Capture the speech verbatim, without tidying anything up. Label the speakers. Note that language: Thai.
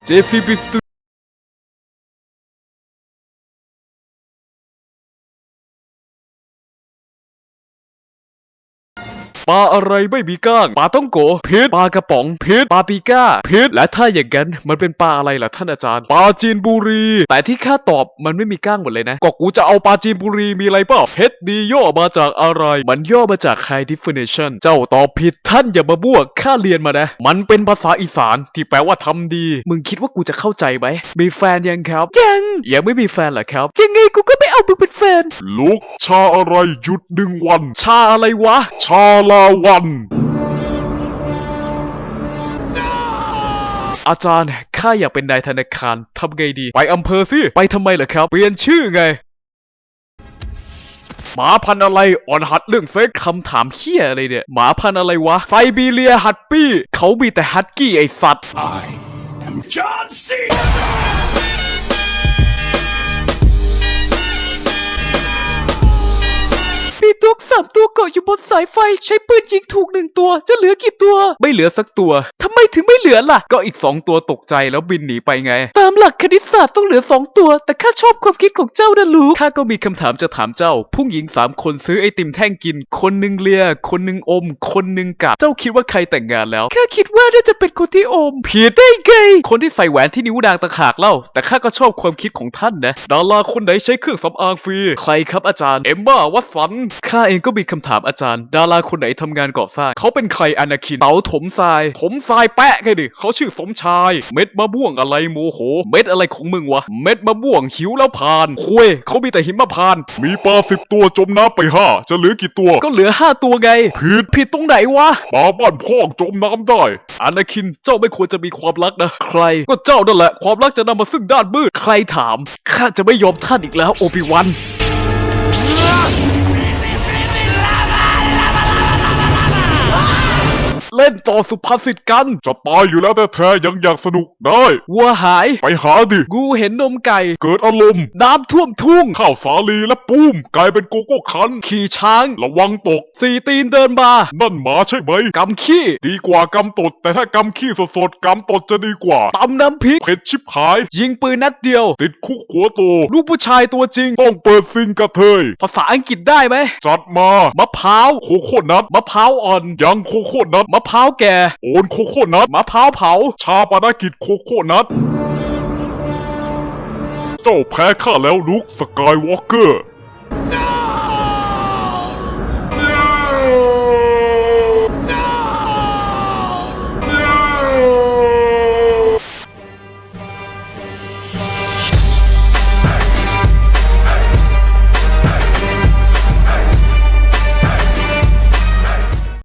Speaker 1: เจ ซี บี Studio ปลาอะไรไม่มีก้างปลาต้องโกพิษปลากระป๋องพิษปลาปีก้าพิษและถ้าอย่างนั้นมันเป็นปลาอะไรล่ะท่านอาจารย์ปลาจีนบุรีแต่ที่ข้าตอบมันไม่มีก้างหมดเลยนะก็กูจะเอาปลาจีนบุรีมีอะไรเปล่าเพชรดีย่อมาจากอะไรมันย่อมาจาก high definition เจ้าตอบผิดท่านอย่ามาบ้วข้าเรียนมานะมันเป็นภาษาอีสานที่แปลว่าทำดีมึงคิดว่ากูจะเข้าใจไหมมีแฟนยังครับยังยังไม่มีแฟนเหรอครับยังไงกูก็ไม่เอามึงเป็นแฟน
Speaker 2: ลุกชาอะไรหยุดหนึ่งวัน
Speaker 1: ชาอะไรวะ
Speaker 2: ชาลาวัน
Speaker 1: อาจารย์ข้าอยากเป็นนายธนาคารทำไงดีไปอำเภอสิไปทำไมเหรอครับเปลี่ยนชื่อไงหมาพันธุ์อะไรอ่อนหัดเรื่องเซ็กคำถามเฮี้ยอะไรเนี่ยหมาพันธุ์อะไรวะไซบีเรียฮัตปี้เขามีแต่ฮัตกี้ไอสัตว์
Speaker 3: I am John C.
Speaker 1: มีตัวสามตัวเกาะอยู่บนสายไฟใช้ปืนยิงถูกหนึ่งตัวจะเหลือกี่ตัวไม่เหลือสักตัวทำไมถึงไม่เหลือล่ะก็อีกสองตัวตกใจแล้วบินหนีไปไงตามหลักคณิตศาสตร์ต้องเหลือสองตัวแต่ข้าชอบความคิดของเจ้านะลูกข้าก็มีคำถามจะถามเจ้าผู้หญิงสามคนซื้อไอติมแท่งกินคนหนึ่งเลียคนหนึ่งอมคนหนึ่งกัดเจ้าคิดว่าใครแต่งงานแล้วข้าคิดว่าน่าจะเป็นคนที่อมผิดได้ไงคนที่ใส่แหวนที่นิ้วดางตะขากเล่าแต่ข้าก็ชอบความคิดของท่านนะดาราคนไหนใช้เครื่องสำอางฟรีใครครับอาจารย์เอมม่าวัตสันข้าเองก็มีคำถามอาจารย์ดาราคนไหนทำงานก่อสร้างเขาเป็นใครอนาคินเต๋าถมทรายถมทรายแปะไงดิเขาชื่อสมชายเม็ดมะม่วงอะไรโมโหเม็ดอะไรของมึงวะเม็ดมะม่วงหิวแล้วผ่านคุยเขามีแต่หิมะพานต์
Speaker 2: มีปลาสิบตัวจมน้ำไปห้าจะเหลือกี่ตัว
Speaker 1: ก็เหลือห้าตัวไง
Speaker 2: ผิด
Speaker 1: ผิดตรงไหนวะ
Speaker 2: ปลาบ้านพ่องจมน้ำได้
Speaker 1: อนาคินเจ้าไม่ควรจะมีความรักนะใครก็เจ้านั่นแหละความรักจะนำมาซึ่งด้านมืดใครถามข้าจะไม่ยอมท่านอีกแล้วโอบิวัน เล่นต่อสุภาษิตกัน
Speaker 2: จะตายอยู่แล้วแต่แท้ๆยังอยากสนุกได้
Speaker 1: วัวหาย
Speaker 2: ไปหาดิ
Speaker 1: กูเห็นนมไก่
Speaker 2: เกิดอารมณ์
Speaker 1: น้ำท่วมทุ่ง
Speaker 2: ข้าวสาลีและปุ้ม กลายเป็นโกโก้คัน
Speaker 1: ขี่ช้าง
Speaker 2: ระวังตก
Speaker 1: สี่ตีนเดินมา
Speaker 2: นั่นหมาใช่ไหม
Speaker 1: กำขี้
Speaker 2: ดีกว่ากำตด แต่ถ้ากำขี้สดๆกำตดจะดีกว่า
Speaker 1: ตำน้ำพริก
Speaker 2: เผ็ดชิบหาย
Speaker 1: ยิงปืนนัดเดียว
Speaker 2: ติดคุกหัวโต
Speaker 1: ลูกผู้ชายตัวจริง
Speaker 2: ต้องเปิดซิงกระเทย
Speaker 1: ภาษาอังกฤษได้ไหม
Speaker 2: จัดมา
Speaker 1: มะพร้าว
Speaker 2: โคโค่นัท
Speaker 1: มะพร้าวอ่อน
Speaker 2: ยังโคโค่นัท
Speaker 1: มะพร้าวแก่
Speaker 2: โอนโคโค่นัท
Speaker 1: มะพร้าวเผา
Speaker 2: ชาปนกิจโคโค่นัท เจ้าแพ้ข้าแล้วลุคสกายวอล์กเกอร์